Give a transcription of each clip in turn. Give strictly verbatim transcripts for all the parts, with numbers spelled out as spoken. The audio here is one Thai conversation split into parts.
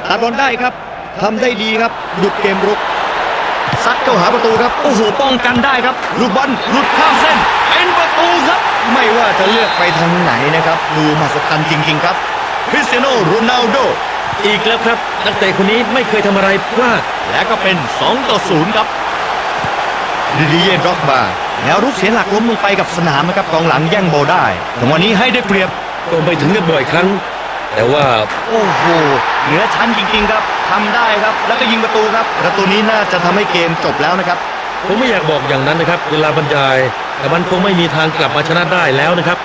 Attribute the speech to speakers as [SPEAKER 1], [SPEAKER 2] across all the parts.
[SPEAKER 1] ตัดบอลได้ครับทำได้ดีครับหยุดเกมรุกซัดเข้าหาประตูครับโอ้โหป้องกันได้ครับลูกบอลหลุดข้ามเส้นเป็นประตูครับไม่ว่าจะเลือกไปทางไหนนะครับดูมหัศจรรย์จริงๆครับคริสเตียโนโรนัลโด
[SPEAKER 2] อีกแล้วครับนักเตะคนนี้ไม่เคยทำอะไรพลาด
[SPEAKER 1] และก็เป็นสองต่อศูนย์ครับดิดิเย่ ด็อกบาแนวรุกเสียหลักล้มลงไปกับสนามนะครับกองหลังแย่งบอลได้จังหวะนี้ให้ได้เปรียบ
[SPEAKER 2] ก็ไม่ถึงกับบ่อยครั้งแต่ว่า
[SPEAKER 1] โอ้โหเหนือชั้นจริงๆครับทำได้ครับแล้วก็ยิงประตูครับประตูนี้น่าจะทำให้เกมจบแล้วนะครับ
[SPEAKER 2] ผมไม่อยากบอกอย่างนั้นนะครับเวลาบรรยายแต่มันคงไม่มีทางกลับมาชนะได้แล้วนะครับ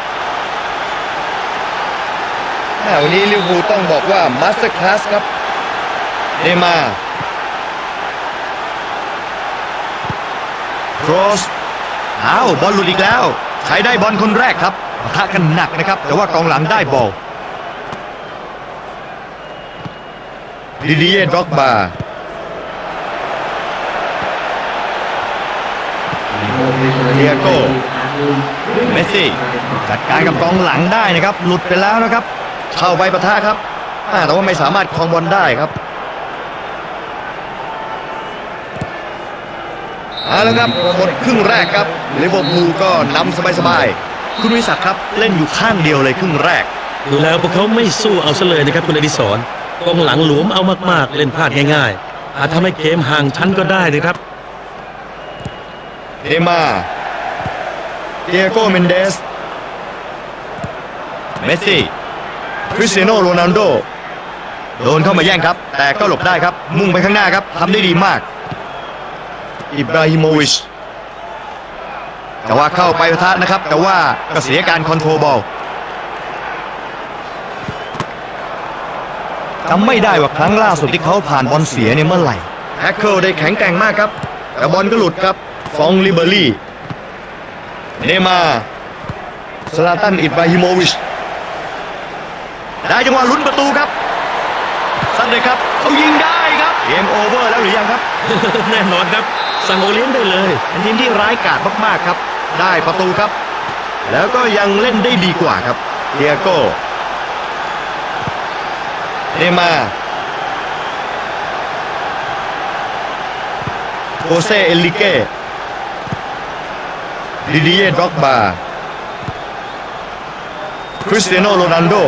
[SPEAKER 1] วันนี้ลิเวอร์พูลต้องบอกว่ามาสเตอร์คลาสครับเนย์มาร์ครอสอ้าวบอลหลุดอีกแล้วใครได้บอลคนแรกครับปะทะกันหนักนะครับแต่ว่ากองหลังได้บอลดิดิเย่ ด็อกบาเดียโก้เมสซี่จัดการกับกองหลังได้นะครับหลุดไปแล้วนะครับเข้าไปปะทะครับแต่ว่าไม่สามารถครองบอลได้ครับเอาละครับหมดครึ่งแรกครับลิเวอร์พูลก็นำสบายๆคุณวิศักดิ์ครับเล่นอยู่ข้างเดียวเลยครึ่งแรก
[SPEAKER 2] ดูแล้วพวกเขาไม่สู้เอาซะเลยนะครับคุณอดิศรกองหลังหลวมเอามากๆเล่นพลาดง่ายๆอาจทำให้เกมห่างชั้นก็ได้นะครับ
[SPEAKER 1] เนย์มาร์เดียโก้ เมนเดสเมสซี่คริสเตียโนโรนัลโดโดนเข้ามาแย่งครับแต่ก็หลบได้ครับมุ่งไปข้างหน้าครับทำได้ดีมากอิบราฮิโมวิชแต่ว่าเข้าไปปะทะนะครับแต่ว่าก็เสียการคอนโทรลบอลจำไม่ได้ว่าครั้งล่าสุดที่เขาผ่านบอลเสียเนี่ยเมื่อไหร่แท็กเกิลได้แข็งแกร่งมากครับแต่บอลก็หลุดครับฟองลิเบอรี่เนย์มาร์ซลาตันอิบราฮิโมวิชได้จังหวะลุ้นประตูครับสัดเลยครับเขายิงได้ครับเกมโอเวอร์แล้วหรือยังครับ
[SPEAKER 2] แน่นอนครับสั่งโอเลี้ยงได้เลย
[SPEAKER 1] เป็นทีมที่ร้ายกาจมากๆครับได้ประตูครับแล้วก็ยังเล่นได้ดีกว่าครับเดียโก้เนย์มาร์โคเซเอลิเก้ดิดิเย่ ด็อกบาคริสเตียโนโรนัลโด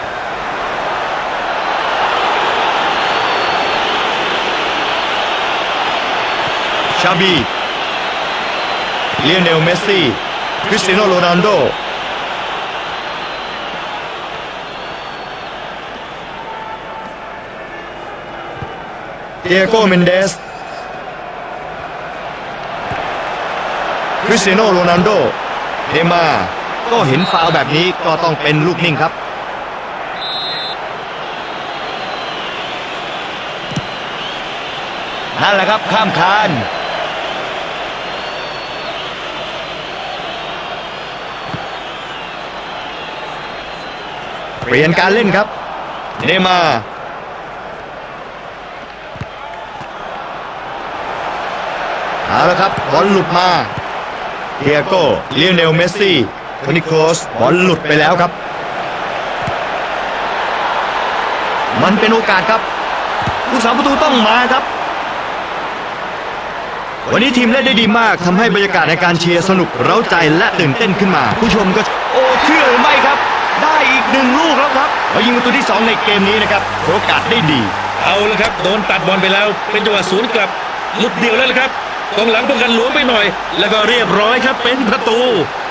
[SPEAKER 1] ชาบีเลียเนล เมสซี่คริสเตียโนโรนัลโดเดียโก้ เมนเดสคริสเตียโนโรนัลโดเนย์มาร์ก็เห็นฟาวล์แบบนี้ก็ต้องเป็นลูกนิ่งครับนั่นแหละครับข้ามคานเปลี่ยนการเล่นครับเนย์มาร์เอาละครับบอลหลุดมาเดียโก้เลียเนล เมสซี่โทนี่ โครสบอลหลุดไปแล้วครับมันเป็นโอกาสครับผู้สาประตูต้องมาครับวันนี้ทีมเล่นได้ดีมากทำให้บรรยากาศในการเชียร์สนุกเร้าใจและตื่นเต้นขึ้นมาผู้ชมก็โอ้เชื่อหรือไม่ครับได้อีกหนึ่งลูกแล้วครับเขายิงประตูที่สองในเกมนี้นะครับโอกาสได้ดี
[SPEAKER 2] เอาละครับโดนตัดบอลไปแล้วเป็นจังหวะสวนกลับหลุดเดียวแล้วละครับกองหลังป้องกันหลวมไปหน่อยแล้วก็เรียบร้อยครับเป็นประตู